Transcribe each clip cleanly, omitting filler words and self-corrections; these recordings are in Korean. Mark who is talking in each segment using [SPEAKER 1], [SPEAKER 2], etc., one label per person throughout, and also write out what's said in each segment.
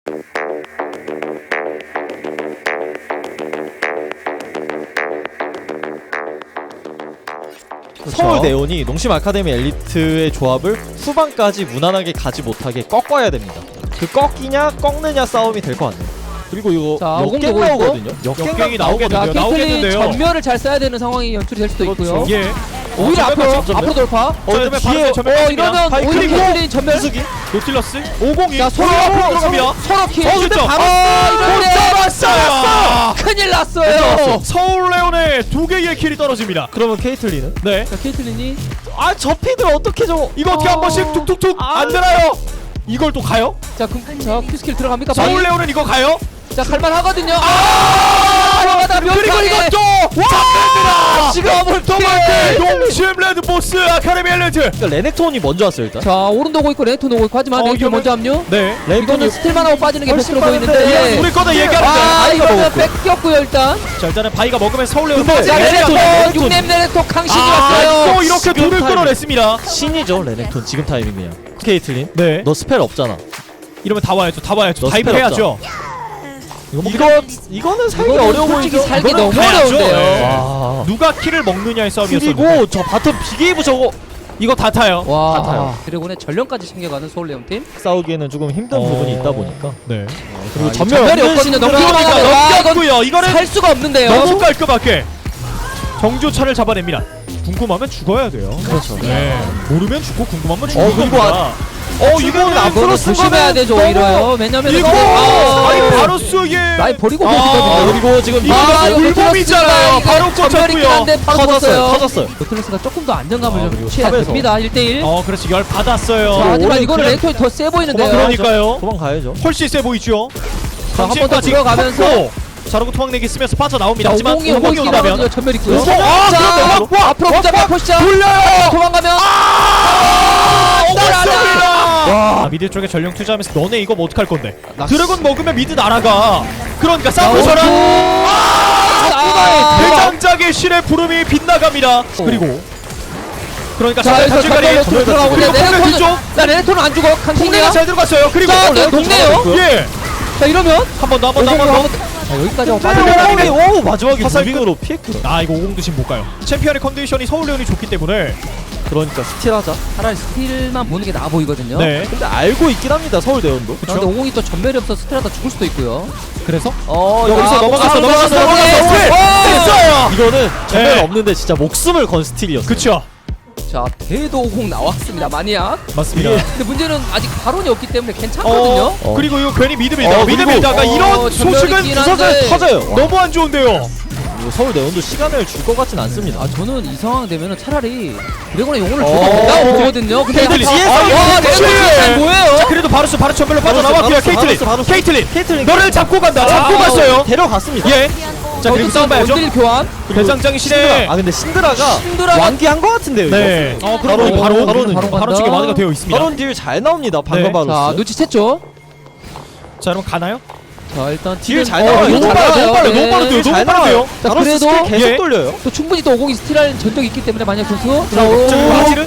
[SPEAKER 1] 서울 네온이 농심 아카데미 엘리트의 조합을 후반까지 무난하게 가지 못하게 꺾어야 됩니다. 그 꺾이냐 꺾느냐 싸움이 될 것 같네요. 그리고 이거
[SPEAKER 2] 자,
[SPEAKER 1] 역갱
[SPEAKER 2] 오공
[SPEAKER 1] 나오거든요.
[SPEAKER 3] 역갱이
[SPEAKER 1] 나오거든요.
[SPEAKER 2] 자, 케이틀린
[SPEAKER 3] 나오겠는데요.
[SPEAKER 2] 전멸을 잘 써야 되는 상황이 연출이 될 수도 있고요.
[SPEAKER 3] 예.
[SPEAKER 2] 오히려 앞으로 돌파.
[SPEAKER 3] 이러면
[SPEAKER 1] 뒤에
[SPEAKER 2] 이러면
[SPEAKER 1] 바이크
[SPEAKER 2] 오히려
[SPEAKER 1] 그리고
[SPEAKER 2] 케이틀린 전멸.
[SPEAKER 1] 수기
[SPEAKER 3] 노틸러스 50이
[SPEAKER 2] 자, 서로
[SPEAKER 3] 들어갑니다.
[SPEAKER 2] 서로 킬.
[SPEAKER 3] 득점.
[SPEAKER 2] 못
[SPEAKER 3] 잡았어요.
[SPEAKER 2] 큰일 났어요.
[SPEAKER 3] 서울 레온의 2개의 킬이 떨어집니다.
[SPEAKER 1] 그러면 케이틀린은?
[SPEAKER 3] 네.
[SPEAKER 2] 자, 케이틀린이
[SPEAKER 1] 저 피들 어떻게 저
[SPEAKER 3] 이거 어떻게 한 번씩 툭툭툭 안 되나요? 이걸 또 가요?
[SPEAKER 2] 자, 큐스킬 들어갑니까?
[SPEAKER 3] 서울 레온은 이거 가요?
[SPEAKER 2] 자, 갈만 하거든요.
[SPEAKER 3] 그리고 이것도
[SPEAKER 2] 와!
[SPEAKER 3] 잡힙니다. 지금 더블킬 농심 레드보스 아카데미 엘리트.
[SPEAKER 1] 그러니까 레넥톤이 먼저 왔어요 일단.
[SPEAKER 2] 자, 오른도 오고 있고 레네톤 오고 있고 하지만 레네톤
[SPEAKER 3] 이거는-
[SPEAKER 2] 먼저 합류.
[SPEAKER 3] 네.
[SPEAKER 2] 이거는 스틸만 하고 빠지는 게
[SPEAKER 1] 훨씬
[SPEAKER 2] 베스트로
[SPEAKER 1] 빠른데.
[SPEAKER 2] 보이는데.
[SPEAKER 3] 우리 거다 얘기하는데.
[SPEAKER 2] 이거는 뺏겼고요 일단.
[SPEAKER 3] 자 일단은 바이가 먹으면 서울 레온
[SPEAKER 1] 근데
[SPEAKER 2] 자,
[SPEAKER 1] 레네톤,
[SPEAKER 2] 레네톤 6렘 레네톤 강신이 왔어요.
[SPEAKER 3] 또 이렇게
[SPEAKER 1] 지금
[SPEAKER 3] 둘을
[SPEAKER 1] 타이밍.
[SPEAKER 3] 끌어냈습니다.
[SPEAKER 1] 신이죠 레넥톤 지금 타이밍이야. 케이틀린
[SPEAKER 3] 네.
[SPEAKER 1] 너 스펠 없잖아.
[SPEAKER 3] 이러면 다 와야죠. 다 와야죠.
[SPEAKER 1] 너
[SPEAKER 3] 다이브
[SPEAKER 1] 스펠
[SPEAKER 3] 해야죠.
[SPEAKER 1] 이거는 살기
[SPEAKER 2] 이거는
[SPEAKER 1] 어려워
[SPEAKER 2] 솔직히
[SPEAKER 1] 보이죠?
[SPEAKER 2] 살기
[SPEAKER 3] 이거는
[SPEAKER 2] 너무
[SPEAKER 3] 가야죠.
[SPEAKER 2] 어려운데요.
[SPEAKER 3] 네.
[SPEAKER 1] 와.
[SPEAKER 3] 누가 킬을 먹느냐의 싸움이었어요.
[SPEAKER 1] 그리고 저 바텀 비게이브 저거
[SPEAKER 3] 이거 다 타요.
[SPEAKER 2] 와,
[SPEAKER 1] 같아요.
[SPEAKER 2] 드래곤의 전령까지 챙겨가는 서울레온 팀.
[SPEAKER 1] 싸우기에는 조금 힘든 부분이 있다 보니까.
[SPEAKER 3] 네.
[SPEAKER 1] 그리고
[SPEAKER 2] 전멸이 없거든요.
[SPEAKER 3] 그러니까
[SPEAKER 2] 넘겨가면
[SPEAKER 3] 넘겼고요. 이거는
[SPEAKER 2] 살 수가 없는데요.
[SPEAKER 3] 너무 깔끔하게 정조차를 잡아냅니다. 궁금하면 죽어야 돼요.
[SPEAKER 1] 그렇죠.
[SPEAKER 3] 네. 모르면 죽고 궁금하면 죽는
[SPEAKER 1] 그리고
[SPEAKER 3] 겁니다. 이거는 앞으로
[SPEAKER 2] 이거는 조심해야 되죠 오히려. 왜냐면
[SPEAKER 3] 이거 아니 바로스의
[SPEAKER 2] 라인 버리고
[SPEAKER 3] 아,
[SPEAKER 2] 보시거든요.
[SPEAKER 1] 그리고 지금
[SPEAKER 3] 이거 물범이잖아요. 바로
[SPEAKER 2] 전멸이
[SPEAKER 3] 꽂혔고요.
[SPEAKER 2] 한데 바로
[SPEAKER 1] 터졌어요.
[SPEAKER 2] 꽂았어요.
[SPEAKER 1] 터졌어요.
[SPEAKER 2] 노틀러스가 조금 더 안정감을 좀
[SPEAKER 1] 그리고
[SPEAKER 2] 취해야
[SPEAKER 1] 탑에서.
[SPEAKER 2] 됩니다. 1대1.
[SPEAKER 3] 그렇지 열 받았어요.
[SPEAKER 2] 자, 하지만
[SPEAKER 1] 오른
[SPEAKER 2] 이거는
[SPEAKER 1] 그냥-
[SPEAKER 2] 레이톤이 더 세 보이는데요.
[SPEAKER 3] 그러니까요.
[SPEAKER 1] 도망가야죠.
[SPEAKER 3] 훨씬 세 보이죠.
[SPEAKER 2] 자, 한 번 더 들어가면서
[SPEAKER 3] 자르고 토막내기 쓰면서 빠져나옵니다.
[SPEAKER 2] 자,
[SPEAKER 3] 하지만
[SPEAKER 2] 오공이
[SPEAKER 3] 오공이
[SPEAKER 2] 오공이 나오면
[SPEAKER 3] 온다면
[SPEAKER 2] 전멸 있고요.
[SPEAKER 3] 자,
[SPEAKER 2] 앞으로 보자마자 포시자.
[SPEAKER 3] 돌려요.
[SPEAKER 2] 도망가면
[SPEAKER 3] 와 미드 쪽에 전령 투자하면서 너네 이거 뭐 어떡할 건데? 드래곤 먹으면 미드 날아가. 그러니까 싸우셔라. 대장작의 신의 부름이 빗나갑니다. 그리고 그러니까
[SPEAKER 2] 자, 여기서
[SPEAKER 3] 단줄가리
[SPEAKER 2] 전멸로 들어가고
[SPEAKER 3] 그리고
[SPEAKER 2] 있는데
[SPEAKER 3] 폭내 뒤쪽
[SPEAKER 2] 자, 레네톤은 안 죽어.
[SPEAKER 3] 폭내가
[SPEAKER 2] 강신이야.
[SPEAKER 3] 잘 들어갔어요. 그리고
[SPEAKER 2] 자, 네, 녹네요.
[SPEAKER 3] 예.
[SPEAKER 2] 자, 이러면
[SPEAKER 3] 한 번 더.
[SPEAKER 2] 자, 여기까지 빠지면
[SPEAKER 1] 오 마지막에
[SPEAKER 3] 화살
[SPEAKER 1] 무빙으로 피했거든.
[SPEAKER 3] 아 이거 50도 지금 못 가요. 챔피언의 컨디션이 서울레온이 좋기 때문에
[SPEAKER 1] 그러니까 스틸하자.
[SPEAKER 2] 차라리 스틸만 보는 게 나아 보이거든요.
[SPEAKER 3] 네.
[SPEAKER 1] 근데 알고 있긴 합니다 서울 대원도.
[SPEAKER 2] 근데 오공이 또 전멸이 없어서 스틸하다 죽을 수도 있고요.
[SPEAKER 3] 그래서
[SPEAKER 1] 여기서
[SPEAKER 2] 아,
[SPEAKER 1] 넘어갔어.
[SPEAKER 3] 됐어요.
[SPEAKER 1] 이거는 전멸
[SPEAKER 3] 네.
[SPEAKER 1] 없는데 진짜 목숨을 건 스틸이었어.
[SPEAKER 3] 그쵸.
[SPEAKER 2] 자, 대도 오공 나왔습니다. 마니악.
[SPEAKER 3] 맞습니다.
[SPEAKER 2] 근데 문제는 아직 발언이 없기 때문에 괜찮거든요.
[SPEAKER 3] 그리고 이거 괜히 미드 밀다가 미드
[SPEAKER 1] 그리고-
[SPEAKER 3] 밀다가 이런
[SPEAKER 2] 전멸이
[SPEAKER 3] 소식은
[SPEAKER 2] 있긴
[SPEAKER 3] 부서져
[SPEAKER 2] 한데.
[SPEAKER 1] 터져요.
[SPEAKER 3] 너무 안 좋은데요.
[SPEAKER 1] 이거 서울 대원도 시간을 줄 것 같진 않습니다.
[SPEAKER 2] 저는 이 상황 되면은 차라리 드래곤의 용을 줘도
[SPEAKER 1] 어.
[SPEAKER 2] 된다고 보거든요. 근데
[SPEAKER 3] 케이틀린.
[SPEAKER 2] 뒤에서
[SPEAKER 3] 아,
[SPEAKER 2] 드래곤이
[SPEAKER 3] 그렇지.
[SPEAKER 2] 잘 보여요.
[SPEAKER 3] 그래도 바루스 바로 전멸로 빠져나왔고요. 케이틀린.
[SPEAKER 1] 케이틀린
[SPEAKER 3] 너를 잡고 간다. 잡고 갔어요.
[SPEAKER 1] 데려갔습니다.
[SPEAKER 3] 예. 자 그리고 싸움 봐야죠.
[SPEAKER 2] 원딜 교환.
[SPEAKER 3] 대장장이 시대.
[SPEAKER 1] 근데 신드라가
[SPEAKER 2] 신드라가-
[SPEAKER 1] 완기한 것 같은데요.
[SPEAKER 3] 네.
[SPEAKER 1] 이거?
[SPEAKER 3] 그럼 바로
[SPEAKER 2] 간다.
[SPEAKER 3] 쪽에 완화가 되어 있습니다.
[SPEAKER 1] 바론 딜 잘 나옵니다. 방금
[SPEAKER 3] 네.
[SPEAKER 1] 바로.
[SPEAKER 2] 자, 눈치챘죠.
[SPEAKER 3] 자 그럼 가나요?
[SPEAKER 2] 자, 일단
[SPEAKER 1] 딜
[SPEAKER 2] 딜은-
[SPEAKER 1] 잘 나와요.
[SPEAKER 3] 너무
[SPEAKER 1] 잘
[SPEAKER 3] 빨라요.
[SPEAKER 1] 나와요.
[SPEAKER 3] 너무 빨라요.
[SPEAKER 2] 네.
[SPEAKER 3] 너무 빠른데요.
[SPEAKER 1] 잘
[SPEAKER 3] 너무
[SPEAKER 1] 나와요.
[SPEAKER 3] 빠른데요.
[SPEAKER 2] 자,
[SPEAKER 1] 바론
[SPEAKER 2] 그래도
[SPEAKER 1] 스킬 계속
[SPEAKER 3] 예.
[SPEAKER 1] 돌려요.
[SPEAKER 2] 또 충분히 또 오공이 스틸할 전적이 있기 때문에 만약 선수.
[SPEAKER 3] 자 그리고 아지르.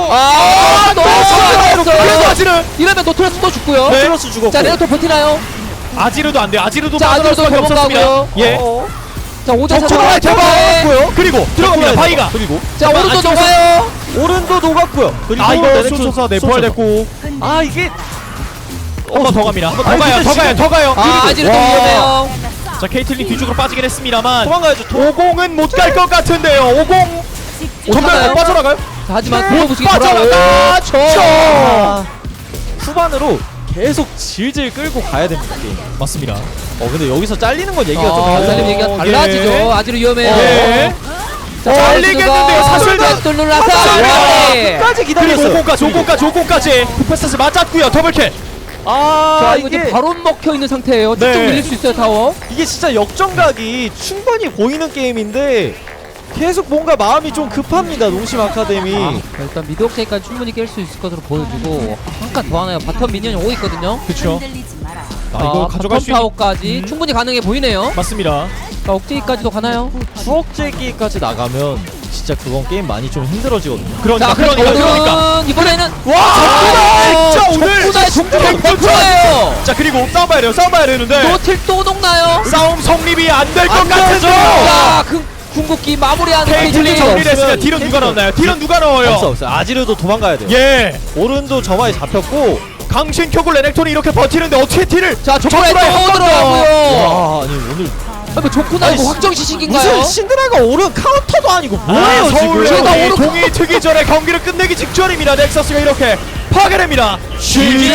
[SPEAKER 3] 그래도 아지르.
[SPEAKER 2] 이러면 노트레스 또 죽고요.
[SPEAKER 3] 네.
[SPEAKER 1] 트러스 죽었고.
[SPEAKER 2] 자, 레오토 버티나요?
[SPEAKER 3] 아지르도 안 돼. 아지르도
[SPEAKER 2] 자,
[SPEAKER 3] 빠져나올
[SPEAKER 2] 아지르도
[SPEAKER 3] 수밖에 없었습니다.
[SPEAKER 2] 도망가고요.
[SPEAKER 3] 예.
[SPEAKER 2] 자, 오자
[SPEAKER 3] 적초가
[SPEAKER 2] 잡아요.
[SPEAKER 3] 그리고 들어갑니다. 바이가.
[SPEAKER 1] 그리고
[SPEAKER 2] 자, 오른쪽
[SPEAKER 3] 안쪽에서-
[SPEAKER 2] 녹아요.
[SPEAKER 1] 오른도 녹았고요. 그리고
[SPEAKER 3] 아 이거
[SPEAKER 1] 레넥톤
[SPEAKER 3] 수소사 내포할됐고.
[SPEAKER 1] 아 이게
[SPEAKER 3] 한 번 더 갑니다. 한 번 더
[SPEAKER 1] 아니,
[SPEAKER 3] 가요.
[SPEAKER 1] 근데
[SPEAKER 3] 더 가요. 더 가요.
[SPEAKER 2] 아, 아지르도
[SPEAKER 1] 와.
[SPEAKER 2] 위험해요.
[SPEAKER 3] 자 케이틀린 뒤쪽으로 빠지긴 했습니다만
[SPEAKER 1] 도망가야죠.
[SPEAKER 3] 50은 못 갈 것 같은데요. 50 정말
[SPEAKER 2] 가나요?
[SPEAKER 3] 못 빠져나가요?
[SPEAKER 2] 자, 하지만 도로부식이
[SPEAKER 3] 빠져나가죠.
[SPEAKER 1] 아, 후반으로 계속 질질 끌고 가야 됩니다 게임.
[SPEAKER 3] 맞습니다.
[SPEAKER 1] 근데 여기서 잘리는 건 얘기가 좀
[SPEAKER 2] 아,
[SPEAKER 1] 달라요.
[SPEAKER 2] 잘리면 얘기가 달라지죠.
[SPEAKER 3] 예.
[SPEAKER 2] 아지르 위험해요.
[SPEAKER 3] 예.
[SPEAKER 2] 자,
[SPEAKER 3] 잘리겠는데요. 사슬
[SPEAKER 2] 뚫눌라서
[SPEAKER 1] 끝까지
[SPEAKER 3] 그리고
[SPEAKER 1] 기다렸어요.
[SPEAKER 3] 5공까지 쿠페스스 맞았고요. 더블킬.
[SPEAKER 2] 자, 이거 이제 바로 먹혀 있는 상태예요.
[SPEAKER 3] 네.
[SPEAKER 2] 쭉쭉 밀릴 수 있어요, 타워.
[SPEAKER 1] 이게 진짜 역전각이 충분히 보이는 게임인데 계속 뭔가 마음이 좀 급합니다 농심 아카데미.
[SPEAKER 2] 자, 일단 미드 옥테이까지 충분히 깰 수 있을 것으로 보여주고 한 칸 더 하나요. 바텀 미니언이 오고 있거든요.
[SPEAKER 3] 그쵸. 아 이거 가져갈
[SPEAKER 2] 바텀
[SPEAKER 3] 수 있는
[SPEAKER 2] 타워까지 충분히 가능해 보이네요.
[SPEAKER 3] 맞습니다.
[SPEAKER 2] 자, 옥테이까지도 가나요?
[SPEAKER 1] 추억제기까지 나가면 진짜 그건 게임 많이 좀 힘들어지거든요.
[SPEAKER 3] 그러니까
[SPEAKER 2] 자,
[SPEAKER 3] 그러니까
[SPEAKER 2] 이번에는
[SPEAKER 3] 와 진짜 오늘
[SPEAKER 2] 적군의
[SPEAKER 3] 갱조찬.
[SPEAKER 2] 적군이에요.
[SPEAKER 3] 자 그리고 싸워봐야 되는데
[SPEAKER 2] 노틸 또 녹나요?
[SPEAKER 3] 싸움 성립이 안 될 것
[SPEAKER 1] 안
[SPEAKER 3] 같아서
[SPEAKER 1] 되죠.
[SPEAKER 2] 자, 궁극기 마무리하는
[SPEAKER 3] 케이틀린
[SPEAKER 2] 케이틀린.
[SPEAKER 3] 정리됐으니까
[SPEAKER 1] 없으면
[SPEAKER 3] 딜은 누가
[SPEAKER 1] 케이틀린
[SPEAKER 3] 넣나요? 딜은 누가 넣어요?
[SPEAKER 1] 없어요. 아지르도 도망가야 돼요.
[SPEAKER 3] 예
[SPEAKER 1] 오른도 저마에 잡혔고.
[SPEAKER 3] 강신 켜고 레넥톤이 이렇게 버티는데 어떻게 딜을
[SPEAKER 2] 자, 조쿠라에
[SPEAKER 3] 조쿠라에
[SPEAKER 2] 또
[SPEAKER 3] 한번 더.
[SPEAKER 2] 들어가고요.
[SPEAKER 1] 와 아니 오늘
[SPEAKER 2] 뭐 조쿠나
[SPEAKER 1] 아니,
[SPEAKER 2] 이거 확정 시식인가요?
[SPEAKER 1] 무슨 신드라가 오른 카운터도 아니고 뭐예요
[SPEAKER 3] 아, 서울
[SPEAKER 1] 지금?
[SPEAKER 2] 제가
[SPEAKER 3] 레온이
[SPEAKER 2] 오른-
[SPEAKER 3] 동이 트기 전에 경기를 끝내기 직전입니다. 넥서스가 이렇게 파괴됩니다. GG.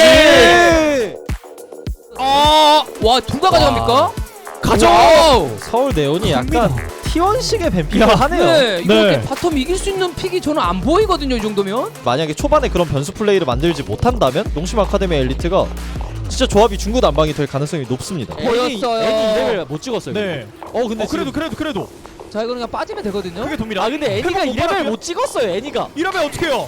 [SPEAKER 2] 와, 누가 가져갑니까?
[SPEAKER 3] 가져.
[SPEAKER 2] 와우.
[SPEAKER 1] 서울 네온이 약간 T1식의 뱀픽을 하네요.
[SPEAKER 2] 네, 이렇게
[SPEAKER 3] 네.
[SPEAKER 2] 바텀 이길 수 있는 픽이 저는 안 보이거든요, 이 정도면.
[SPEAKER 1] 만약에 초반에 그런 변수 플레이를 만들지 못한다면 농심 아카데미 엘리트가 진짜 조합이 중구난방이 될 가능성이 높습니다.
[SPEAKER 2] 보였어요.
[SPEAKER 1] 애니 2레벨 못 찍었어요.
[SPEAKER 3] 네.
[SPEAKER 1] 근데
[SPEAKER 3] 그래도
[SPEAKER 2] 자, 이거 그냥 빠지면 되거든요.
[SPEAKER 3] 그게 돕니다.
[SPEAKER 1] 아 근데 애니가
[SPEAKER 3] 회복 못
[SPEAKER 1] 2레벨
[SPEAKER 3] 받았고요?
[SPEAKER 1] 못 찍었어요. 애니가.
[SPEAKER 3] 이러면 어떡해요?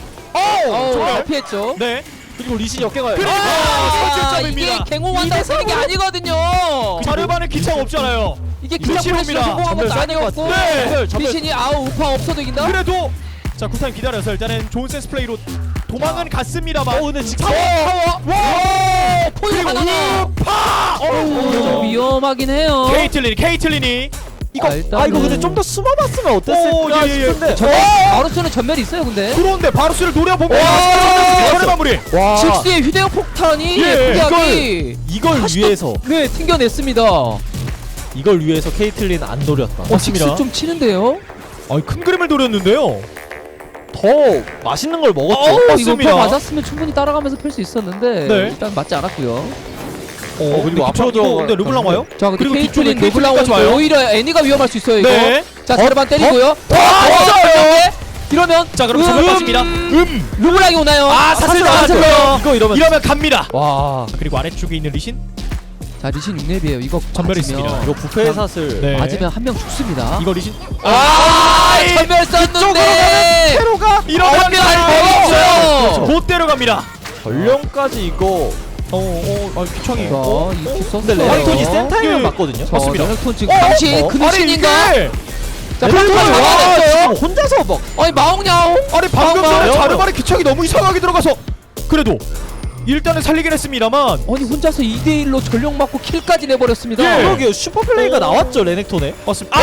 [SPEAKER 2] 잘 피했죠.
[SPEAKER 3] 네.
[SPEAKER 1] 그리고 리신 역경을.
[SPEAKER 3] 그리고
[SPEAKER 2] 아,
[SPEAKER 3] 설정점입니다.
[SPEAKER 2] 이게 갱호한다고 쓰는 게 아니거든요.
[SPEAKER 3] 자르반은 기창 없잖아요.
[SPEAKER 2] 이게
[SPEAKER 3] 리신
[SPEAKER 2] 기차 플래시로
[SPEAKER 3] 옵니다.
[SPEAKER 2] 성공한 것도
[SPEAKER 1] 전멸
[SPEAKER 2] 아니었고
[SPEAKER 3] 네.
[SPEAKER 2] 리신이 우파 없어도 이긴다?
[SPEAKER 3] 그래도 자 쿨타임 기다려서 일단은 좋은 센스 플레이로 도망은 갔습니다만.
[SPEAKER 1] 근데 지금
[SPEAKER 3] 타워. 와.
[SPEAKER 2] 포유
[SPEAKER 3] 그리고
[SPEAKER 2] 하나.
[SPEAKER 3] 파.
[SPEAKER 2] 좀 위험하긴 해요.
[SPEAKER 3] 케이틀린이
[SPEAKER 2] 이거
[SPEAKER 1] 이거 근데 좀 더 숨어봤으면
[SPEAKER 3] 오,
[SPEAKER 1] 어땠을까
[SPEAKER 3] 예, 예.
[SPEAKER 1] 싶은데.
[SPEAKER 2] 바루스는 전멸이 있어요, 근데.
[SPEAKER 3] 들어온데 바루스를 노려보면
[SPEAKER 1] 와.
[SPEAKER 3] 전의 마무리.
[SPEAKER 1] 와
[SPEAKER 2] 직스의 휴대용 폭탄이
[SPEAKER 3] 예,
[SPEAKER 2] 예쁘게
[SPEAKER 1] 이걸 위해서
[SPEAKER 2] 네, 튕겨냈습니다.
[SPEAKER 1] 이걸 위해서 케이틀린 안 노렸다.
[SPEAKER 3] 맞습니다.
[SPEAKER 2] 직스 좀 치는데요.
[SPEAKER 3] 큰 그림을 노렸는데요.
[SPEAKER 1] 더 맛있는 걸 먹었죠.
[SPEAKER 2] 이거
[SPEAKER 3] 맞습니다.
[SPEAKER 2] 더 맞았으면 충분히 따라가면서 펼 수 있었는데
[SPEAKER 3] 네.
[SPEAKER 2] 일단 맞지 않았고요.
[SPEAKER 1] 그리고 앞으로
[SPEAKER 3] 근데 르블랑 와요?
[SPEAKER 2] 자, 근데
[SPEAKER 3] 그리고
[SPEAKER 2] 케이틀린
[SPEAKER 3] 뒤쪽에
[SPEAKER 2] 르블랑
[SPEAKER 3] 케이틀린까지
[SPEAKER 2] 오니까
[SPEAKER 3] 와요?
[SPEAKER 2] 오히려 애니가 위험할 수 있어요, 이거.
[SPEAKER 3] 네.
[SPEAKER 2] 자, 자르반 때리고요.
[SPEAKER 3] 맞아요.
[SPEAKER 2] 이러면
[SPEAKER 3] 자 그럼 전멸 빠집니다.
[SPEAKER 2] 르블랑이 오나요?
[SPEAKER 3] 사슬
[SPEAKER 1] 사슬
[SPEAKER 3] 나왔어요.
[SPEAKER 1] 이거 이러면
[SPEAKER 3] 이러면 갑니다.
[SPEAKER 1] 와
[SPEAKER 3] 그리고 아래쪽에 있는 리신
[SPEAKER 2] 자, 리신 6렙이에요. 이거
[SPEAKER 3] 전멸이
[SPEAKER 2] 맞으면
[SPEAKER 3] 있습니다.
[SPEAKER 1] 이거 부패 사슬.
[SPEAKER 3] 네.
[SPEAKER 2] 맞으면 한 명 죽습니다.
[SPEAKER 3] 이거 리신
[SPEAKER 2] 전멸 썼는데
[SPEAKER 1] 테로가
[SPEAKER 3] 이러면
[SPEAKER 2] 한명
[SPEAKER 3] 잘
[SPEAKER 2] 먹었죠.
[SPEAKER 3] 못 데려갑니다.
[SPEAKER 1] 전령까지 이거.
[SPEAKER 3] 귀청이.
[SPEAKER 2] 이거 이큐 썼어요.
[SPEAKER 1] 근데 레넥톤이
[SPEAKER 3] 예.
[SPEAKER 1] 센타임을 맞거든요.
[SPEAKER 3] 맞습니다.
[SPEAKER 2] 레넥톤 지금 당시 그 리신인가? 자,
[SPEAKER 1] 레넥톤이
[SPEAKER 2] 방금
[SPEAKER 1] 와
[SPEAKER 2] 나왔어요.
[SPEAKER 1] 지금 혼자서 막
[SPEAKER 2] 아니 마옹냐옹.
[SPEAKER 3] 아니 방금 전에
[SPEAKER 1] 봐요.
[SPEAKER 3] 자르반의 귀청이 너무 이상하게 들어가서 그래도 일단은 살리긴 했습니다만
[SPEAKER 2] 아니 혼자서 2대1로 전령 맞고 킬까지 내버렸습니다.
[SPEAKER 3] 예.
[SPEAKER 1] 그러게요. 슈퍼플레이가 나왔죠 레넥톤에.
[SPEAKER 3] 맞습니다.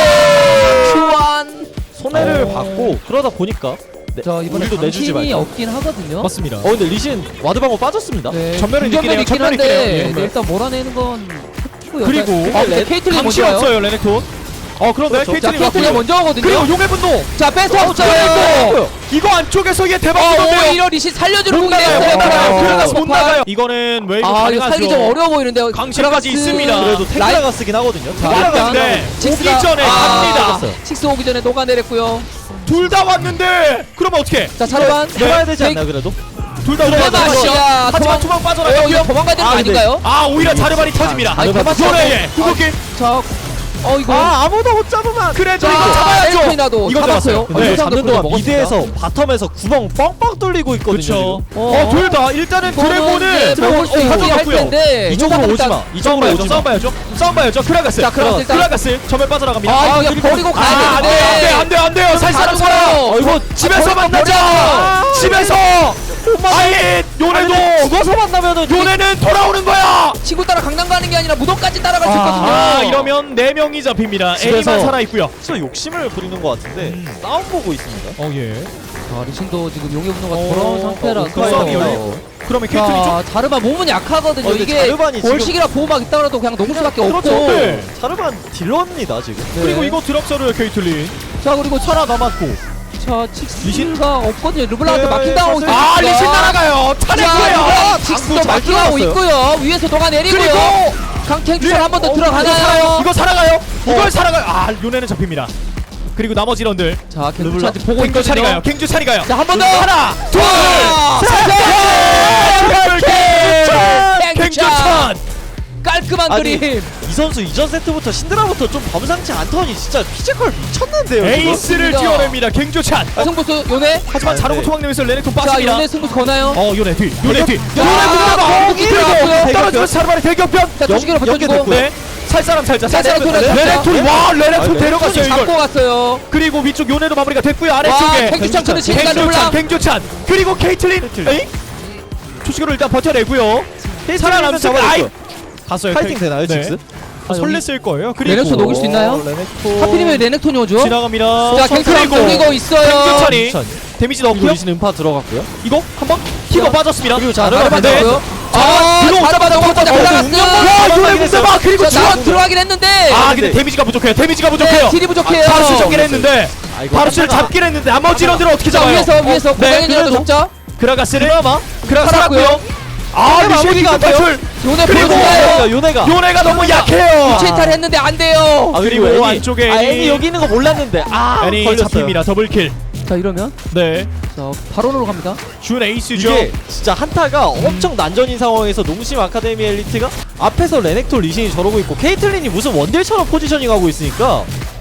[SPEAKER 2] 큐안.
[SPEAKER 1] 손해를 받고 그러다 보니까
[SPEAKER 2] 자, 이번에
[SPEAKER 1] 우리도 내주지
[SPEAKER 2] 당신이
[SPEAKER 1] 말자.
[SPEAKER 2] 없긴 하거든요.
[SPEAKER 3] 맞습니다.
[SPEAKER 1] 근데 리신 와드방어 빠졌습니다.
[SPEAKER 2] 네,
[SPEAKER 3] 전멸은 있긴 해요.
[SPEAKER 2] 있긴
[SPEAKER 3] 전멸은 있긴
[SPEAKER 2] 한데
[SPEAKER 3] 해요. 예.
[SPEAKER 2] 네, 일단 몰아내는 건 했고요.
[SPEAKER 3] 그리고
[SPEAKER 2] 근데 케이틀린
[SPEAKER 3] 강시
[SPEAKER 2] 먼저요.
[SPEAKER 3] 없어요 레넥톤. 그런데
[SPEAKER 1] 그렇죠.
[SPEAKER 2] 자,
[SPEAKER 3] 케이틀린
[SPEAKER 2] 케이틀린
[SPEAKER 3] 왔고요.
[SPEAKER 2] 먼저 하거든요.
[SPEAKER 3] 그리고 용의 분노.
[SPEAKER 2] 자, 뺏어
[SPEAKER 3] 그리고
[SPEAKER 2] 없어요.
[SPEAKER 3] 이거 안쪽에서 얘 대박 주던데요.
[SPEAKER 2] 오히려 리신 살려주는
[SPEAKER 3] 못
[SPEAKER 2] 공이
[SPEAKER 3] 나가요.
[SPEAKER 2] 됐어요.
[SPEAKER 3] 못 나가요. 그러다 못
[SPEAKER 2] 폭발.
[SPEAKER 3] 나가요. 이거는 웨이브
[SPEAKER 2] 이거
[SPEAKER 3] 가능하죠.
[SPEAKER 2] 살기 좀 어려워 보이는데요.
[SPEAKER 3] 강신까지
[SPEAKER 2] 드라가스
[SPEAKER 3] 있습니다.
[SPEAKER 1] 그래도
[SPEAKER 2] 라인-
[SPEAKER 1] 테크라가 쓰긴 하거든요.
[SPEAKER 2] 자,
[SPEAKER 3] 왔는데
[SPEAKER 2] 일단
[SPEAKER 3] 오기 전에 갑니다.
[SPEAKER 1] 맞았어요.
[SPEAKER 2] 식스 오기 전에 녹아내렸고요.
[SPEAKER 3] 둘 다 왔는데 그러면 어떻게?
[SPEAKER 2] 자, 자르반
[SPEAKER 1] 해봐야 되지 않나요 그래도?
[SPEAKER 3] 둘 다
[SPEAKER 2] 도망가,
[SPEAKER 3] 들어가죠.
[SPEAKER 2] 씨야.
[SPEAKER 3] 하지만 투방
[SPEAKER 2] 이거
[SPEAKER 3] 빠져나가고요.
[SPEAKER 2] 도망가야 되는 거
[SPEAKER 1] 근데-
[SPEAKER 2] 아닌가요?
[SPEAKER 3] 오히려 자르반이 터집니다.
[SPEAKER 2] 아니,
[SPEAKER 1] 자르반
[SPEAKER 2] 도망가.
[SPEAKER 3] 구독기.
[SPEAKER 2] 자, 이거
[SPEAKER 1] 아무도 못 잡으면.
[SPEAKER 3] 그래도
[SPEAKER 2] 자,
[SPEAKER 3] 이거 잡아야죠.
[SPEAKER 2] 엘프이나도
[SPEAKER 3] 이거
[SPEAKER 2] 잡았어요.
[SPEAKER 3] 잡았어요.
[SPEAKER 1] 근데
[SPEAKER 2] 네,
[SPEAKER 1] 잡는 동안
[SPEAKER 2] 먹었습니다.
[SPEAKER 1] 미드에서 바텀에서 구멍 뻥뻥 뚫리고 있거든요.
[SPEAKER 3] 그렇죠.
[SPEAKER 1] 지금.
[SPEAKER 3] 둘 다 일단은
[SPEAKER 2] 이거는
[SPEAKER 3] 드래곤을
[SPEAKER 2] 이제 먹을 수 있게 할
[SPEAKER 3] 가져갔고요.
[SPEAKER 2] 텐데
[SPEAKER 1] 이쪽으로
[SPEAKER 2] 일단
[SPEAKER 1] 오지 마.
[SPEAKER 3] 싸움
[SPEAKER 1] 이쪽으로
[SPEAKER 3] 봐야죠.
[SPEAKER 1] 오지
[SPEAKER 3] 싸움
[SPEAKER 1] 마.
[SPEAKER 3] 봐야죠. 싸움 봐야죠. 크라가스.
[SPEAKER 2] 자, 크라가스 일단-
[SPEAKER 3] 크라가스 전멸 빠져나갑니다.
[SPEAKER 2] 이거 버리고 가야
[SPEAKER 3] 안 돼,
[SPEAKER 2] 되는데
[SPEAKER 3] 안 돼, 안 돼요. 살 사람
[SPEAKER 2] 가지고요.
[SPEAKER 3] 살아.
[SPEAKER 1] 이거
[SPEAKER 3] 집에서 만나자. 집에서. 아예 요네도
[SPEAKER 1] 죽어서 만나면은
[SPEAKER 3] 요네는 돌아오는 거야.
[SPEAKER 2] 친구 따라 강남 가는 게 아니라 무덤까지 따라갈 수 있거든요.
[SPEAKER 3] 이러면 4명이 잡힙니다.
[SPEAKER 1] 집에서-
[SPEAKER 3] 애니만 살아 있고요.
[SPEAKER 1] 진짜 욕심을 부리는 것 같은데 싸움 보고 있습니다.
[SPEAKER 3] 예.
[SPEAKER 2] 자, 리신도 지금 용의 분노가 돌아온 상태라서
[SPEAKER 3] 그 싸움이 열려. 그러면 케이틀린 좀
[SPEAKER 2] 자, 자르반 몸은 약하거든요.
[SPEAKER 1] 근데
[SPEAKER 2] 이게
[SPEAKER 1] 자르반이 지금-
[SPEAKER 2] 골식이라 보호막 있다고라도 그냥 녹을 수밖에 없고.
[SPEAKER 3] 그렇죠. 네.
[SPEAKER 1] 자르반 딜러입니다 지금.
[SPEAKER 2] 네.
[SPEAKER 3] 그리고 이거 드랍서를 케이틀린.
[SPEAKER 2] 자, 그리고
[SPEAKER 3] 하나 남았고.
[SPEAKER 2] 자, 칙스가 없거든요. 르블랑한테
[SPEAKER 1] 네,
[SPEAKER 2] 마킹당하고
[SPEAKER 1] 사실-
[SPEAKER 2] 있습니다.
[SPEAKER 3] 리신 날아가요.
[SPEAKER 2] 자,
[SPEAKER 3] 차례고요.
[SPEAKER 2] 칙스도
[SPEAKER 1] 방금 잘
[SPEAKER 2] 마킹하고
[SPEAKER 1] 들어갔어요.
[SPEAKER 2] 있고요. 위에서 녹아내리고요.
[SPEAKER 3] 그리고
[SPEAKER 2] 강탱주선 한 번 더
[SPEAKER 3] 이거
[SPEAKER 2] 들어가나요?
[SPEAKER 3] 이거 살아가요. 이걸 살아가요. 요네는 잡힙니다. 그리고 나머지 런들
[SPEAKER 2] 자,
[SPEAKER 1] 르블랑.
[SPEAKER 2] 갱주찬지 보고
[SPEAKER 3] 갱주 차리 가요.
[SPEAKER 2] 있거든요.
[SPEAKER 3] 갱주 차리 가요.
[SPEAKER 2] 자, 한 번 더.
[SPEAKER 3] 하나, 둘, 셋. 갱주찬.
[SPEAKER 2] 깔끔한
[SPEAKER 1] 아니,
[SPEAKER 2] 그림.
[SPEAKER 1] 이 선수 이전 세트부터 신드라부터 좀 범상치 않더니 진짜 피지컬 미쳤는데요. 지금.
[SPEAKER 3] 에이스를
[SPEAKER 2] 그렇습니다.
[SPEAKER 3] 뛰어냅니다. 갱주찬.
[SPEAKER 2] 승부수 요네.
[SPEAKER 3] 하지만
[SPEAKER 1] 아,
[SPEAKER 3] 자르고
[SPEAKER 1] 네.
[SPEAKER 3] 토막내면서 레넥톤
[SPEAKER 2] 자,
[SPEAKER 3] 빠집니다.
[SPEAKER 2] 요네 승부수 거나요?
[SPEAKER 3] 요네 뒤. 요네 뒤.
[SPEAKER 2] 아,
[SPEAKER 3] 요네
[SPEAKER 2] 거기 들어갔고요.
[SPEAKER 3] 떨어지면서 자르반의 대격변.
[SPEAKER 2] 자, 투시기로
[SPEAKER 1] 연계
[SPEAKER 2] 버텨주고.
[SPEAKER 1] 됐고요.
[SPEAKER 3] 네. 살 사람 살자.
[SPEAKER 2] 자, 레넥톤을
[SPEAKER 3] 레넥톤이 와 레넥톤
[SPEAKER 1] 아,
[SPEAKER 3] 데려갔어요 이걸.
[SPEAKER 2] 잡고 갔어요.
[SPEAKER 3] 그리고 위쪽 요네로 마무리가 됐고요.
[SPEAKER 2] 와,
[SPEAKER 3] 아래쪽에
[SPEAKER 2] 갱주찬 크는 진간
[SPEAKER 3] 갱조찬
[SPEAKER 2] 르블랑.
[SPEAKER 3] 갱조찬 그리고 케이틀린. 에이? 초식으로 일단 버텨내고요. 살아남습니다. 아이 갔어요.
[SPEAKER 1] 파이팅 되나요, 직스?
[SPEAKER 3] 설렜을 거예요. 그리고
[SPEAKER 2] 레넥톤 녹일 수 있나요?
[SPEAKER 1] 레넥톤.
[SPEAKER 2] 하필이면 레넥톤이 오죠?
[SPEAKER 3] 지나갑니다.
[SPEAKER 2] 자, 갱크랑 녹이고 있어요.
[SPEAKER 3] 갱조찬이 데미지
[SPEAKER 1] 그리고
[SPEAKER 3] 넣고요.
[SPEAKER 1] 리신 음파 들어갔고요.
[SPEAKER 3] 이거 한번 키가 빠졌습니다.
[SPEAKER 1] 그리고
[SPEAKER 2] 자르반
[SPEAKER 1] 자르반
[SPEAKER 3] 네.
[SPEAKER 2] 맞았고요.
[SPEAKER 3] 들어오자마자
[SPEAKER 2] 자르반
[SPEAKER 3] 먼저
[SPEAKER 2] 올라갔어요.
[SPEAKER 3] 와 요네 무대박 그리고
[SPEAKER 2] 자,
[SPEAKER 3] 지금
[SPEAKER 2] 들어가긴 했는데.
[SPEAKER 3] 아 근데 데미지가 부족해요. 데미지가
[SPEAKER 2] 네,
[SPEAKER 3] 부족해요.
[SPEAKER 2] 딜이 부족해요.
[SPEAKER 3] 바루스 잡긴 했는데
[SPEAKER 1] 아, 이거
[SPEAKER 3] 바루스를 잡긴 했는데 나머지 인원들은 어떻게
[SPEAKER 2] 자,
[SPEAKER 3] 잡아요?
[SPEAKER 2] 위에서
[SPEAKER 3] 네,
[SPEAKER 2] 고강인이라도
[SPEAKER 3] 그래도
[SPEAKER 2] 잡자.
[SPEAKER 3] 그라가스를
[SPEAKER 1] 드라마.
[SPEAKER 3] 그라가
[SPEAKER 2] 살았고요.
[SPEAKER 3] 살았고요. 아
[SPEAKER 1] 마무리가
[SPEAKER 3] 리시가
[SPEAKER 1] 안 돼요.
[SPEAKER 3] 탈출.
[SPEAKER 2] 요네
[SPEAKER 3] 그리고
[SPEAKER 2] 보여주나요?
[SPEAKER 1] 요네가.
[SPEAKER 3] 요네가 너무 약해요.
[SPEAKER 2] 체이탈 했는데 안 돼요.
[SPEAKER 1] 아,
[SPEAKER 3] 그리고
[SPEAKER 1] 애니.
[SPEAKER 3] 안쪽에
[SPEAKER 1] 아,
[SPEAKER 3] 애니.
[SPEAKER 1] 애니 여기 있는 거 몰랐는데. 아,
[SPEAKER 3] 애니
[SPEAKER 1] 걸렸어요.
[SPEAKER 3] 잡힙니다. 더블킬.
[SPEAKER 2] 자, 이러면
[SPEAKER 3] 네.
[SPEAKER 2] 자, 바론으로 갑니다.
[SPEAKER 3] 준 에이스죠.
[SPEAKER 1] 이게 진짜 한타가 엄청 난전인 상황에서 농심 아카데미 엘리트가 앞에서 레넥톨 리신이 저러고 있고 케이틀린이 무슨 원딜처럼 포지셔닝 하고 있으니까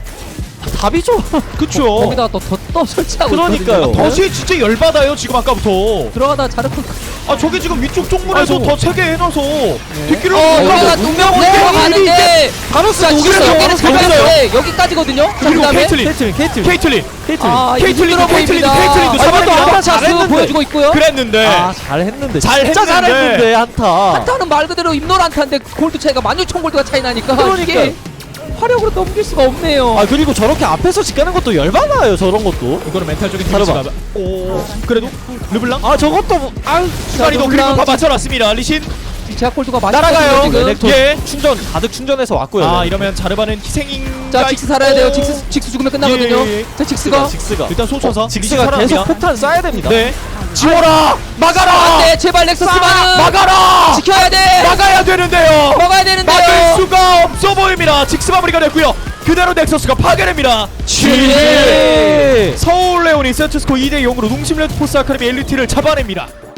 [SPEAKER 1] 답이죠.
[SPEAKER 3] 그쵸.
[SPEAKER 2] 거기다가 또 설치하고
[SPEAKER 1] 그러니까요.
[SPEAKER 2] 있거든요.
[SPEAKER 3] 덫이 진짜 열받아요 지금 아까부터.
[SPEAKER 2] 들어가다 자르콘
[SPEAKER 3] 아 저게 지금 위쪽 쪽문에서
[SPEAKER 1] 아이고.
[SPEAKER 3] 더 세게 해놔서 뒷길을
[SPEAKER 2] 요네가 운명 들어가는데
[SPEAKER 1] 바로스
[SPEAKER 2] 자, 지금
[SPEAKER 3] 녹이면서
[SPEAKER 2] 여기는 잘
[SPEAKER 3] 녹였어요.
[SPEAKER 2] 갔는데 여기까지거든요. 자,
[SPEAKER 3] 그리고
[SPEAKER 2] 그다음에
[SPEAKER 3] 케이틀린
[SPEAKER 1] 케이틀린.
[SPEAKER 3] 케이틀린
[SPEAKER 2] 아,
[SPEAKER 3] 케이틀린도
[SPEAKER 2] 케이틀린도
[SPEAKER 3] 케이틀린도
[SPEAKER 2] 잡았는데
[SPEAKER 3] 잡았는데
[SPEAKER 2] 샤스 보여주고 있고요.
[SPEAKER 3] 그랬는데
[SPEAKER 1] 아, 잘했는데.
[SPEAKER 3] 잘했는데.
[SPEAKER 1] 진짜 잘했는데 한타.
[SPEAKER 2] 한타는 말 그대로 임노란타인데 골드 차이가 16,000골드가 차이 나니까
[SPEAKER 1] 그러니까요.
[SPEAKER 2] 이게 화력으로 넘길 수가 없네요.
[SPEAKER 1] 아, 그리고 저렇게 앞에서 직가는 것도 열받아요. 저런 것도.
[SPEAKER 3] 이거는 멘탈적인
[SPEAKER 1] 자르반.
[SPEAKER 3] 데미지가 오 그래도 르블랑
[SPEAKER 1] 아, 저것도 뭐- 아,
[SPEAKER 3] 시간이도 그리고 다 맞춰놨습니다. 리신
[SPEAKER 2] 제약 골드가 많이
[SPEAKER 3] 날아가요.
[SPEAKER 2] 빠졌어요, 지금.
[SPEAKER 1] 레넥톤
[SPEAKER 3] 예.
[SPEAKER 1] 충전 가득 충전해서 왔고요.
[SPEAKER 3] 아
[SPEAKER 1] 네.
[SPEAKER 3] 이러면 자르반은 희생인
[SPEAKER 2] 자, 직스 살아야 돼요. 직스 죽으면 끝나거든요.
[SPEAKER 3] 예, 예.
[SPEAKER 2] 자, 직스가
[SPEAKER 1] 직스가
[SPEAKER 3] 일단 쏘쳐서
[SPEAKER 1] 직스가 계속 폭탄 쏴야 됩니다.
[SPEAKER 3] 네 지워라 막아라
[SPEAKER 2] 안돼, 제발 넥서스만은
[SPEAKER 3] 막아라
[SPEAKER 2] 지켜야 돼.
[SPEAKER 3] 막아야 되는데요.
[SPEAKER 2] 막아야
[SPEAKER 3] 막을
[SPEAKER 2] 되는데요.
[SPEAKER 3] 수가 없어 보입니다. 직스 마무리가 됐고요. 그대로 넥서스가 파괴됩니다.
[SPEAKER 1] GG!
[SPEAKER 3] 서울 레온이 세트스코 2대 0으로 농심 레드포스 아카데미 엘리트를 잡아냅니다.